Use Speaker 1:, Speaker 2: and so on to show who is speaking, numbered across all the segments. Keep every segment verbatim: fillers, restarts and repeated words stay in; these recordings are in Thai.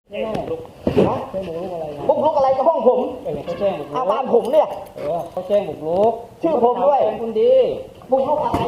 Speaker 1: แจ้งบุกรุกนะแจ้งบุกรุกอะไรนะ
Speaker 2: บุกรุกอะไรกับห้องผม
Speaker 1: เขาแจ้งบุกรุก
Speaker 2: อาบ้านผมเนี่ย
Speaker 1: เออเขาแจ้งบุกรุก
Speaker 2: ชื่อผมด้วย
Speaker 1: เป็นคุณดี
Speaker 2: บุกรุกอะไร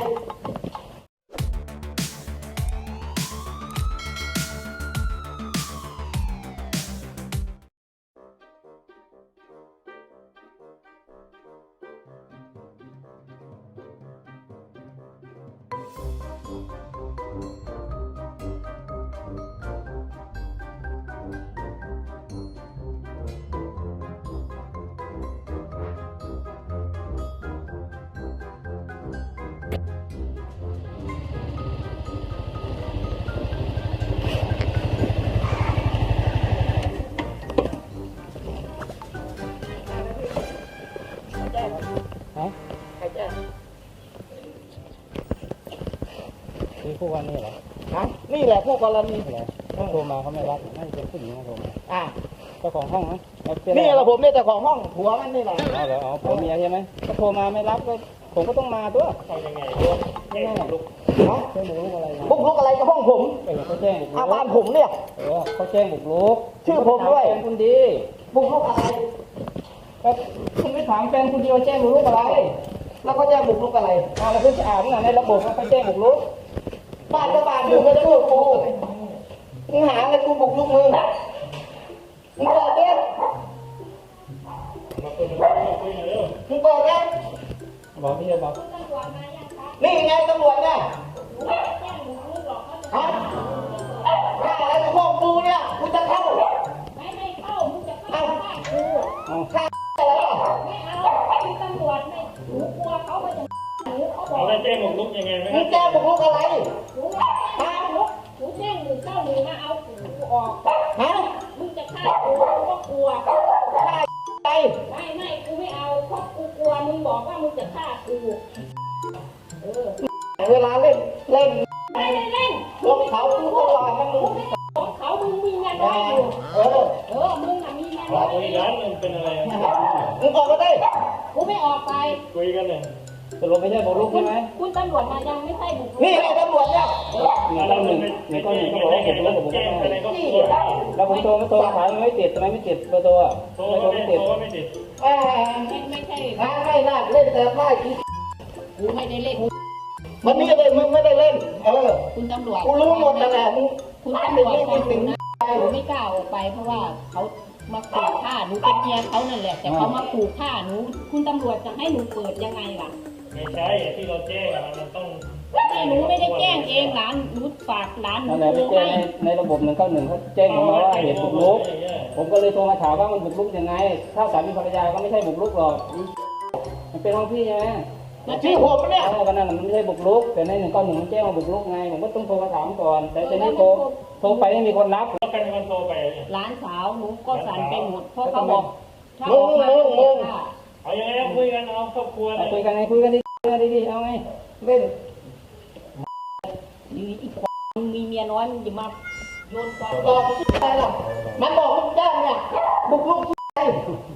Speaker 1: นี่พวกวันนี้เหรอ
Speaker 2: ฮะนี่แหละพวกกรณี
Speaker 1: เหรอเขาโทรมาเขาไม่รับน่าจะเป็นผู้หญิงมาโทรมา
Speaker 2: อ่า
Speaker 1: เจ้าของห้องนะ
Speaker 2: นี่แหละผมเนี่ยเจ้าของห้องผัวมันนี่แหละ
Speaker 1: เอาเหรอเอาผัวเมียใช่ไหมเขาโทรมาไม่รับก็ผมก็ต้องมาตัว
Speaker 3: ทำยังไงแจ้งบุกรุก
Speaker 2: ฮะ
Speaker 1: แจ้งบุกรุกอะไรนะ
Speaker 2: บุกรุกอะไรกับห้องผม
Speaker 1: เออเขาแจ้งบุกรุก
Speaker 2: อาบ้านผมเนี่ย
Speaker 1: เออเขาแจ้งบุกรุก
Speaker 2: ชื่อผมด้วย
Speaker 1: เป็นคุณดี
Speaker 2: บุกรุกอะไร
Speaker 1: ก็คุณไม่ถามแฟนคุณดีว่าแจ้งบุกรุกอะไร
Speaker 2: แล้วก็แจ้งบุกรุกอะไร
Speaker 1: อ่าแล้วคุณจะอ่านในระบบเขาแจ้งบุกรุก
Speaker 2: บ้านก็บ้านมึงก็จะบุกกูมึงหาเงินกูบุกรุกมึงมึงเปิดเนี่ยมึงเปิดเนี่ย
Speaker 1: บอกพี่จะบอก
Speaker 2: นี่ไงตำรวจเนี่ยฮะข้าอะไรกับพวกกูเนี่ยกูจะเข้า
Speaker 4: ไม่ไม่เข้ามึงจะเข้าบ้านกู
Speaker 2: ข้าอะไรอ่ะ
Speaker 4: ไม่เอาเป็นตำรวจไม่หนูกลัวเขาเขาจะหนูเขาบอก
Speaker 3: เราแจ้งบุกรุกยังไงไหม
Speaker 2: มึงแจ้งบุกรุกอะไร
Speaker 4: หนูไม่แจ้งลุกหนูแจ้งหนึ่งเก้าหนึ่งมาเอากูออก
Speaker 2: ฮะ
Speaker 4: มึงจะฆ่ากูกูก็กลัว
Speaker 2: ฆ่าไป
Speaker 4: ไม่ไม่กูไม่เอาเพราะกูกลัวมึงบอกว่ามึงจะฆ่ากูเออ
Speaker 2: เวลาเล่นเล่น
Speaker 4: ไม่ได้เล่น
Speaker 2: พวกเขากูตลอดนะมึง
Speaker 4: ของเขามึงมีเงินน้อยอยู่
Speaker 2: เออ
Speaker 4: เออมึงน่ะมีเงินน้อยอ
Speaker 3: คุย
Speaker 4: ยู่
Speaker 3: กันมันเป็นอะไร
Speaker 2: มึงออกมาได้
Speaker 4: กูไม่ออกไป
Speaker 3: คุยกันเลย
Speaker 1: ตกลงไม่ใช่บุกรุกใช่ไหม
Speaker 4: คุณตำรวจมายังไม่ใช่บุกรุก
Speaker 2: นี่ไงตำรวจเนี่ย
Speaker 1: หนึ่งก็หนึ่งหนึ่งก็หนึ่งก็บอกว่าบุกรุกกับบุกรุกไม่ได้แล้วผมโทรไม่โทรสายมันไม่ติดทำไมไม่ติดเบอร์โทรอ่ะ
Speaker 3: โทรไม่ติดโทรไม่ติด
Speaker 2: แหม
Speaker 4: ไม่ใช่
Speaker 2: งานไม่น่าเล่นแต่ไพ่กู
Speaker 4: กูไม่ได้เล่น
Speaker 2: มันนี่เลยมึงไม่ได้เล่นเออ
Speaker 4: คุณตำรวจ
Speaker 2: กูรู้หมดแล้วแหละมึง
Speaker 4: คุณตำรวจฟังหนูนะหนูไม่กล้าออกไปเพราะว่าเขามาขู่ฆ่าหนูเป็นเมียเขานั่นแหละแต่เขามาขู่ฆ่าหนูคุณตำรวจจะให้หนูเปิดยังไงล่ะ
Speaker 3: ไม่ใช่ที่เราแจ้งมันต้อง
Speaker 4: ไม่หนูไม่ได้แจ้งเองหลานหนูฝากหลานหนู
Speaker 1: นั่นแหละไปแจ้งในระบบหนึ่งเก้าหนึ่งเขาแจ้งมาว่าเหตุบุกรุกผมก็เลยโทรมาถามว่ามันบุกรุกยังไงถ้าสามีภรรยาก็ไม่ใช่บุกรุกหรอกมันเป็นห้องพี่ใช่ไหม
Speaker 2: ชื่อผมเนี่ย
Speaker 1: เออกันนั่นมันไม่ใช่บุกรุกแต่ในหนึ่งเก้าหนึ่งมันแจ้งมาบุกรุกไงผมก็ต้องโทรมาถามก่อนแต่ตอนนี้โทรโทรไปไม่มีคนรับ
Speaker 3: แล้วใครเป็นคนโทรไป
Speaker 4: หลานสาวหนูก็สั่นไปหมดเพราะเขาบอกถ้าอ
Speaker 2: มึ
Speaker 4: อกมา
Speaker 2: มึงมึง
Speaker 3: เอายังไงคุยกันเอาครอบครัวเลย
Speaker 1: คุยกันไงคุยกันดีๆดีๆเอาไงเล่น
Speaker 4: อีกคนมีเมียน้อยมึงจะมาโยนความ
Speaker 2: บอกอะไรล่ะมันบอกมึงแจ้งเนี่ยบุกรุกไอ้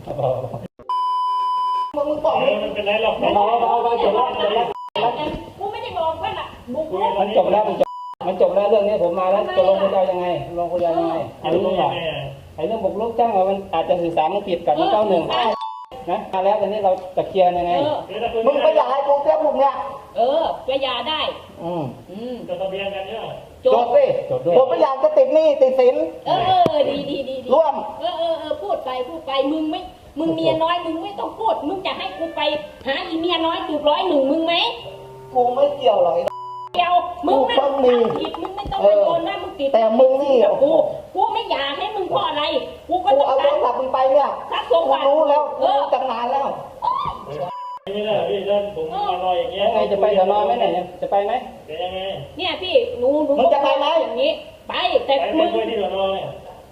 Speaker 2: มึงมึงบอก
Speaker 3: มันเป็นไรหรอก
Speaker 1: เอาเอาเอาจบแล้วจบแล้ว
Speaker 4: กูไม่ได้บอกว่าน่ะบุกรุก
Speaker 1: มันจบแล้วมันจบมันจบแล้วเรื่องนี้ผมมาแล้วจะลงคุยยังไงลงคุยยังไงไอ้เรื่องไอ้เรื่องบุกรุกจ้างว่ามันอาจจะสื่อสารมันผิดกับหนึ่งเก้าหนึ่งนะมาแล้วตอนนี้เราจะเคลียร์ยังไง
Speaker 2: มึงไปอยากให้กูเตี้ยบุกเนี่ย
Speaker 4: เออไปยาได้
Speaker 2: อืม
Speaker 4: อืม
Speaker 3: จดทะเบียนกันเนี่ย
Speaker 2: จดสิผมไม่อยากจะติดหนี้ติดสิน
Speaker 4: เออเออดีดีดี
Speaker 2: ร่วม
Speaker 4: เออเออเออพูดไปพูดไปมึงไม่มึงเมียน้อยมึงไม่ต้องพูดมึงจะให้กูไปหาอีเมียน้อยจุดร้อยหนึ่งมึงไหม
Speaker 2: กูไม่เกี่ยวหรอก
Speaker 4: เกี่ยวมึงไม่ผิดมึงไม่ต้องไปโดนนะมึงติด
Speaker 2: แต่มึงนี่
Speaker 4: กูกูไม่อยากให้มึงเพราะอะไรกูก็ต้อง
Speaker 2: เอาโทรศัพท์มึงไปเนี่ยกูรู้แล้วกูรู้ตั้งนานแล้ว
Speaker 3: นี่แหละพี่เล่นผมมารออย่างเงี้ย
Speaker 1: ยังไงจะไปสนไหมเนี่ยจะไปไหม
Speaker 3: เดี๋ยวยังไง
Speaker 4: เนี่ยพี่หนูหนู
Speaker 2: มึงจะไปไหม
Speaker 4: อย่างนี้ไปแต่มึง
Speaker 3: ไปที่สนเนี่ย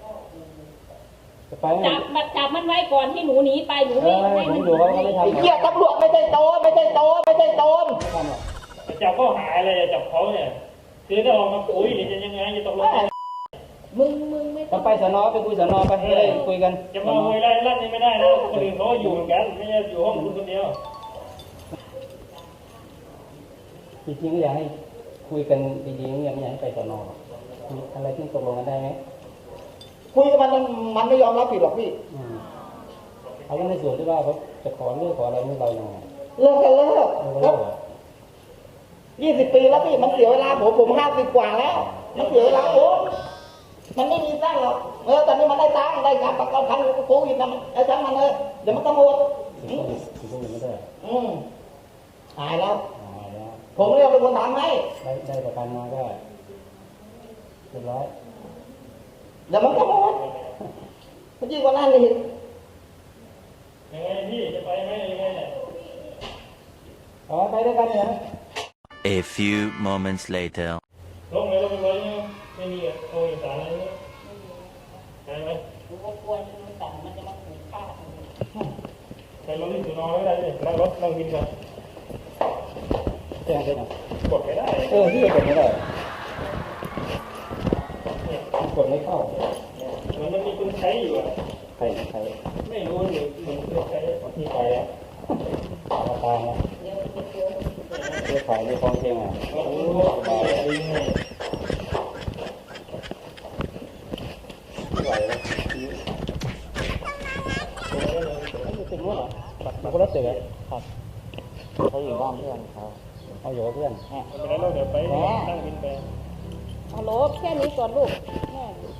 Speaker 4: จับมันจับมันไว้ก่อนที่หนูหนีไปหนูไม่ให้มัน
Speaker 1: อยู่เขาไม่ทำ
Speaker 2: ไอ้เหี้ยตำรวจไม่ใช่โจรไม่ใช่โจรไม่ใช่โจร
Speaker 3: จับเขาหายเลยจับเขาเนี่ยคือถ้าออกมาคุยจะยังไงจะตกลง
Speaker 4: มึงมึงไม่
Speaker 1: ต้องไปสนไปคุยสนไปจะได้คุยกัน
Speaker 3: จะมาคุยไล่ลั่นนี่ไม่ได้นะคนอื่นเขาอยู่เหมือนกันไม่ใช่อยู่ห้องคุณคนเดียว
Speaker 1: จริงๆก็อยากให้คุยกันดีๆไม่อยากให้ไปสนอะไรที่ตกลงกันได้ไหม
Speaker 2: คุยกับมันมันไม่ยอมรับผิดหรอกพี่
Speaker 1: อืมเอาในส่วนที่ว่าเขาจะขอเลิกขออะไรนี่เรายังไง
Speaker 2: เลิกกันเลิก
Speaker 1: เราเลิกเหรอ
Speaker 2: ยี่สิบปีแล้วพี่มันเสียเวลาผมผมห้าสิบกว่าแล้วมันเสียเวลาผมมันไม่มีสร้างหรอกเออตอนนี้มันได้ตังค์ได้การประกันภัยโควิดนะมันไอ้ช่างมันเลยเดี๋ยวมันก็หมด
Speaker 1: ถึงก็ถึงก็ไม่ได้
Speaker 2: อืมหายแล้ว
Speaker 1: อ๋อแล้ว
Speaker 2: ผมเรียกเป็นคนทำให้
Speaker 1: ได้ได้ประกันมาก็เรียบร้อย
Speaker 2: เดี๋ยวมันก็หมดมันยิ่งกว่านั้นเลย
Speaker 3: ยังไงพี่จะไปไหมยังไงเนี่ย
Speaker 1: อ๋อไปด้วยกันเนี่ยนะ
Speaker 5: A few moments later.
Speaker 3: ลงเลยลงไปเลยไม่มีโอ้ยสารอะไรเนี่ยไปไหม
Speaker 4: กูก็กลัวมันสั่งมันจะมาขู่ฆ่า
Speaker 3: ไปลงที่สุนทรไม่ได้เลยนั่งรถนั่งบินกัน
Speaker 1: แจ้งไปหน่อย
Speaker 3: กดไม่ได้
Speaker 1: เออที่กดไม่ได้กดไม่เข้า
Speaker 3: มันมันมีคนใช้อยู่อ่ะ
Speaker 1: ใครใคร
Speaker 3: ไม่รู้หรือมันคนใช้
Speaker 1: ที่ไปแล้วราคาแล้ว
Speaker 4: เดี๋ยวจะเจอ
Speaker 1: เรื่องขายในกองเชียงอ่ะ
Speaker 3: โอ้โหอะไรยังไง
Speaker 1: ไม่ไหวแล้วเขาอยู่ติดนู้นเหรออยู่คนละตึกอ่ะครับ
Speaker 2: เขาอยู่บ้านเพื่อนเขา
Speaker 1: เอาอยู่กับเพื่อน
Speaker 3: ไม่เป็นไรเราเดี๋ยวไปนั่งบินไป
Speaker 4: ฮัลโหลแค่นี้ก่อนลูกแม่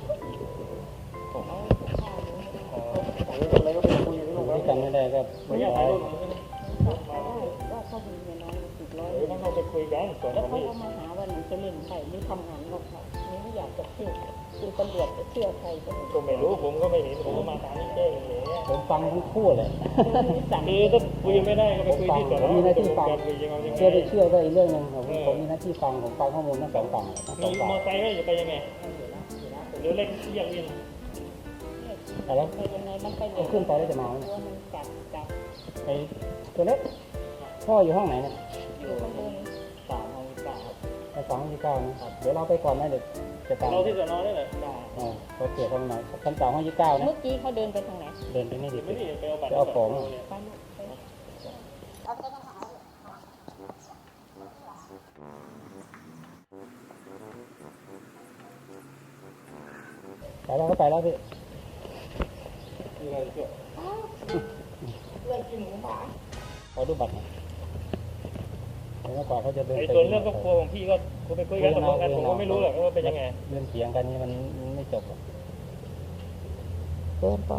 Speaker 1: อยู่ด้วยกันไม่ได้ก็
Speaker 3: ไม่
Speaker 1: ไม่
Speaker 3: อยาก
Speaker 1: ได้
Speaker 3: ถ่ายรูป
Speaker 4: ว่าเขามีเมียน้อยติดร้อย
Speaker 3: เดี๋ยวต้องเข้าไปคุยกันก่อน
Speaker 4: แล้ว
Speaker 3: นะ
Speaker 4: เขา
Speaker 3: พี่
Speaker 4: เอามาหาว่าหนูจะเล่นใครไม่ทำงานนอกค่ะนี่ไม่อยากจะเชื่อคือตำรวจจะเชื่อใครก็ไม่
Speaker 3: ก็ไม่รู้ผมก็ไม่เห็นผมก็มาตามนี่แจ้งเลย
Speaker 1: ผมฟังทั้งคู่เลย
Speaker 4: สั่ง
Speaker 3: คือถ้าคุยไม่ได้ก็ไปคุยที่ก่อน
Speaker 1: ผมมีหน้าที่ฟัง
Speaker 3: คุยยังไงยังไง
Speaker 1: เชื่อไปเชื่อก็อีกเรื่องหนึ่งผมผมมีหน้าที่ฟังผมฟังข้อมูลทั้งสองฝั่งทั้งส
Speaker 3: มี
Speaker 1: อง
Speaker 3: ม
Speaker 1: ฝั่ง
Speaker 3: อไซค์ก็จะไปยังไงหรือเล็กเรียกวิน
Speaker 1: แต่แล้ว
Speaker 4: ไปยังไงมันไป
Speaker 1: เอาขึ้นไปแล้วจะมาไหม
Speaker 4: ตัวมันกัดกัด
Speaker 1: ไอ้ตัวเล็กพ่ออยู่ห้องไหนเนี่ย
Speaker 4: อยู่ข้างบน
Speaker 3: สามห้องสาม
Speaker 1: ไอ้สองที่เก้านะเดี๋ยวเราไปก่อนนะเดี๋ยวจะตาม
Speaker 3: เราที่สอนอได้เลย
Speaker 1: อ่าเขาเสียเขาหน่อยชั้นสามห้องยี่สิบเก้านะ
Speaker 4: เมื่อกี้เขาเดินไปทางไหน
Speaker 1: เดินไปนี่ดิ
Speaker 3: ไม่ได้ไปเอาบัตร
Speaker 1: จะเอาของ
Speaker 4: ไปลูกไป
Speaker 1: ไปแล้วก็ไปแล้วพี่
Speaker 2: เรื่องกินหมูหมา
Speaker 1: ขอดูบัตรหน่อยเดี๋ยวเมื่อก่อนเขาจะเดิน
Speaker 3: ไอ้
Speaker 1: ไป
Speaker 3: ส่วนเรื่องครอบครัวของพี่ก็คุณไปคุยกันตกลงกันผมก็ไม่รู้หรอกว่าเป็นยังไง
Speaker 1: เรื่องเถียงกันนี่มันไม่จบหรอก
Speaker 2: เกินไป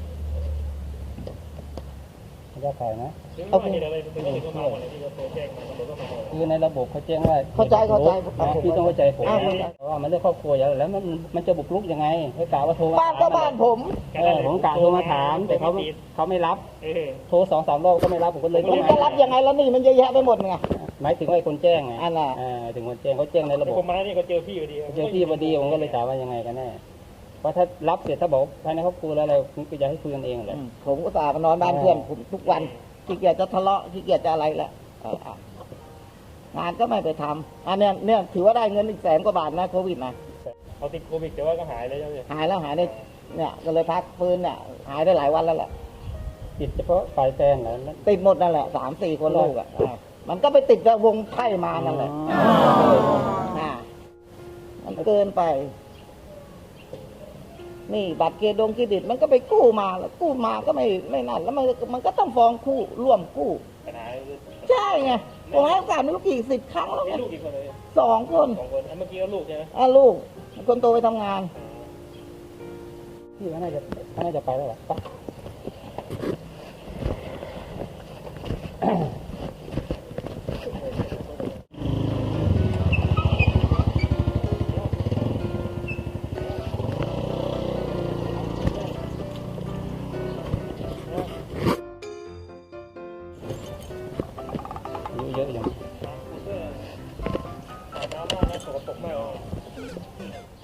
Speaker 1: ไม่ได้ขายนะ
Speaker 3: หรือว่าเหตุอะไรเป็นที่เขามาวันนี้ที่เขาโทรแจ้งมาตำรวจก็มาบอก
Speaker 1: คือในระบบเขาแจ้งว่า
Speaker 2: เข้าใจเข้าใจ
Speaker 1: นะพี่ต้องเข้าใจผม
Speaker 2: อ่า
Speaker 1: นะเพราะว่ามันเรื่องครอบครัวอย่างแล้วมันมันจะบุกรุกยังไงให้กล่าวว่าโทรมา
Speaker 2: บ้านก็บ้านผม
Speaker 1: เออผมกล่าวโทรมาถาม แต่เขาเขาไม่รับ
Speaker 3: เออ
Speaker 1: โทรสองสามรอบก็ไม่รับผมก็เลยต้
Speaker 2: มั
Speaker 1: อง
Speaker 2: นจะรับยังไงแล้วนี่มันเยอะแยะไปหมดไง
Speaker 1: หมายถึงว่าไอ้คนแจ้งไง
Speaker 2: อันน่ะ
Speaker 1: เออถึงคนแจ้งเขาแจ้งในระ
Speaker 3: แล้ว
Speaker 1: บบ
Speaker 3: ผมมานี่ก็เจอพี่พอดี
Speaker 1: เจอพี่พอดีผมก็เลยถามว่ายังไงกันแน่เพราะถ้ารับเสร็จถ้าบอกภายในครอบครัวแล้วอะไรผมก็อยากให้คุยกันเองแหละ
Speaker 2: ผมก็ตามานอนบ้านเพื่อนผมทุกวันขี้เกียจจะทะเลาะขี้เกียจจะอะไรแหละเอออ่ะงานก็ไม่ไปทำอันเนี้ยเนี่ยถือว่าได้เงินอีกแสนกว่าบาทนะโควิดนะ
Speaker 3: เขาติดโควิดแต่ว่าก็หายเลยใช่ไหม
Speaker 2: หายแล้วหายได้เนี่ยก็เลยพักฟื้นเนี่ยหายได้หลายวันแล้วแหละ
Speaker 1: ติดเฉพาะฝ่ายแฟนเหรอแล้ว
Speaker 2: ติดหมดนั่นแหละสามสี่คนลูกอ่ะอ่ะมันก็ไปติดกับวงไพ่มานั่นแหละอ่ามันเกินไป นี่บัตรเครดงเครดิตมันก็ไปกู้มาแล้วกู้มาก็ไม่ไม่นั่นแล้วมันมันก็ต้องฟ้องคู่ร่วมกู้
Speaker 3: ปัญหา
Speaker 2: ใช่ไงผมให้โอกาสไม่รู้กี่สิบครั้งแล้ว
Speaker 3: มี
Speaker 2: ไง
Speaker 3: ลูกกี่คนเลย
Speaker 2: สองคน
Speaker 3: สองคนเมื่อกี้ก็ลูกใช่ไหม
Speaker 2: อ่ะลูกคนโตไปทำงาน
Speaker 1: พี่ก็น่าจะก็น่าจะไปแล้วแหละไปอายุเยอะอย่าง
Speaker 3: น้ำมากนะสกปรกมาก